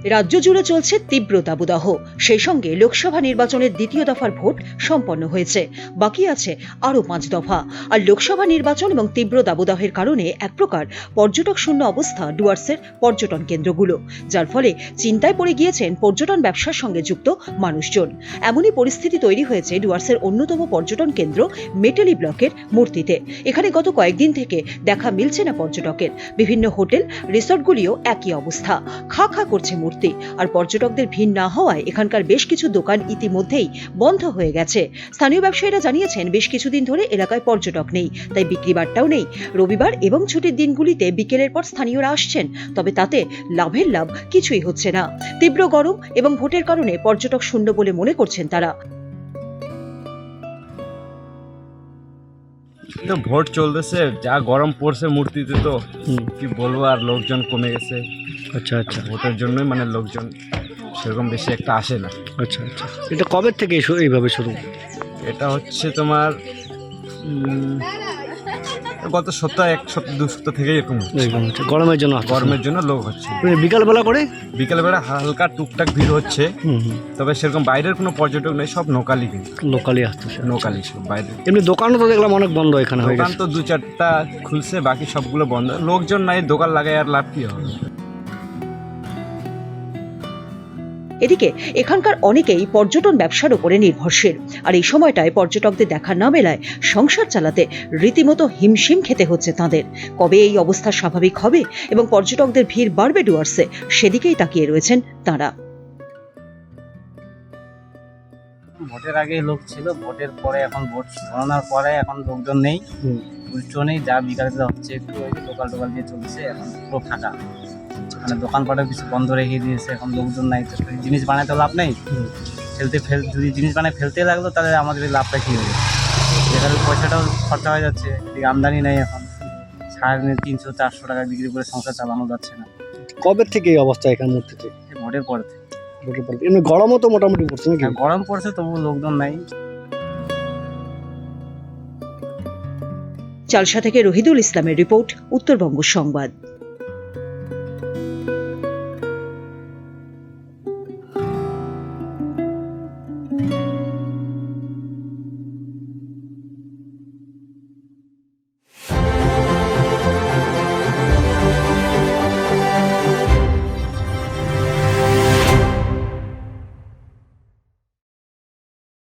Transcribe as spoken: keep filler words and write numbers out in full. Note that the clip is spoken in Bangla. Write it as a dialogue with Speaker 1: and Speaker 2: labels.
Speaker 1: রাজ্য জুড়ে চলছে তীব্র দাবদাহ। সেই সঙ্গে লোকসভা নির্বাচনের দ্বিতীয় দফার ভোট সম্পন্ন হয়েছে, বাকি আছে আরও পাঁচ দফা। আর লোকসভা নির্বাচন এবং তীব্র দাবদাহের কারণে এক প্রকার পর্যটক শূন্য অবস্থা ডুয়ার্সের পর্যটন কেন্দ্রগুলো, যার ফলে চিন্তায় পড়ে গিয়েছেন পর্যটন ব্যবসার সঙ্গে যুক্ত মানুষজন। এমনই পরিস্থিতি তৈরি হয়েছে ডুয়ার্সের অন্যতম পর্যটন কেন্দ্র মেটেলি ব্লকের মূর্তিতে। এখানে গত কয়েকদিন থেকে দেখা মিলছে না পর্যটকের। বিভিন্ন হোটেল রিসর্টগুলিও একই অবস্থা, খা খা করছে মূর্তি। আর পর্যটকদের ভিড় না হওয়ায় এখানকার বেশ কিছু দোকান ইতিমধ্যেই বন্ধ হয়ে গেছে। স্থানীয় ব্যবসায়ীরা জানিয়েছেন বেশ কিছুদিন ধরে এলাকায় পর্যটক নেই, তাই বিক্রি বাট্টাও নেই। রবিবার এবং ছুটির দিনগুলিতে বিকেলের পর স্থানীয়রা আসছেন, তবে তাতে লাভের লাভ কিছুই হচ্ছে না। তীব্র গরম এবং ভোটের কারণে পর্যটক শূন্য বলে মনে করছেন তারা।
Speaker 2: তো ভোট চলতেছে, যা গরম পড়ছে মূর্তিতে, তো কি বলবো, আর লোকজন কমে গেছে।
Speaker 3: আচ্ছা আচ্ছা
Speaker 2: ভোটের জন্যই মানে লোকজন সেরকম বেশি একটা আসে না।
Speaker 3: আচ্ছা আচ্ছা এটা কবে থেকে শু- এইভাবে শুরু?
Speaker 2: এটা হচ্ছে তোমার উম, গত সপ্তাহ এক সপ্তাহ দু সপ্তাহ থেকে এরকম হচ্ছে।
Speaker 3: এইরকম হচ্ছে, গরমের জন্য আসতেছে না?
Speaker 2: গরমের জন্য লোক হচ্ছে।
Speaker 3: মানে বিকালবেলা করে
Speaker 2: বিকেলবেলা হালকা টুকটাক ভিড় হচ্ছে,
Speaker 3: হুম হুম
Speaker 2: তবে সেরকম বাইরের কোনো পর্যটক নেই, সব লোকালই কিন্তু
Speaker 3: লোকালি আসতেছে।
Speaker 2: লোকালই সব বাইরে।
Speaker 3: এমনি দোকানও তো দেখলাম অনেক বন্ধ এখানে হয়ে
Speaker 2: দোকান
Speaker 3: গেছে।
Speaker 2: তো দু চারটা খুলছে, বাকি সবগুলো বন্ধ। লোকজন নাই, দোকান লাগায় আর লাভ কি হবে।
Speaker 1: এদিকে এখানকার অনেকেই পর্যটন ব্যবসার উপরে নির্ভরশীল। আর এই সময়টায় পর্যটকদের দেখা না মেলায় সংসার চালাতে রীতিমতো হিমশিম খেতে হচ্ছে তাদের। কবে এই অবস্থা স্বাভাবিক হবে এবং পর্যটকদের ভিড় বাড়বে ডুয়ার্সে, সেদিকেই তাকিয়ে রয়েছেন তাঁরা।
Speaker 4: ভোটের আগে লোক ছিল, ভোটের পরে এখন ভোট গণনার পরে এখন লোকজন নেই,
Speaker 3: হুম।
Speaker 4: উল্টো নেই। যা বিকালে হচ্ছে একটু ওই লোকাল টোকাল দিয়ে চলছে, এখন পুরো ফাঁকা। মানে দোকানপাটও কিছু বন্ধ রেখে দিয়েছে, এখন লোকজন নাই, তো জিনিস বানাতে লাভ নেই।
Speaker 3: হুম।
Speaker 4: ফেলতে ফেল যদি জিনিস বানায় ফেলতে লাগলো, তাহলে আমাদের এই লাভটা কী হবে? যেখানে পয়সাটাও খরচা হয়ে যাচ্ছে, এদিকে আমদানি নেই, এখন সাড়ে তিনশো চারশো টাকা বিক্রি করে সংসার চালানো যাচ্ছে না।
Speaker 3: কবে থেকে এই অবস্থা এখানে মূর্তিতে?
Speaker 4: এই ভোটের পরে থেকে।
Speaker 3: ভোটের পর থেকে। এমনি গরমও তো মোটামুটি পড়ছে নাকি?
Speaker 4: হ্যাঁ, গরম পড়ছে, তবু লোকজন নাই।
Speaker 1: চালসা থেকে রহিদুল ইসলামের রিপোর্ট, উত্তরবঙ্গ সংবাদ।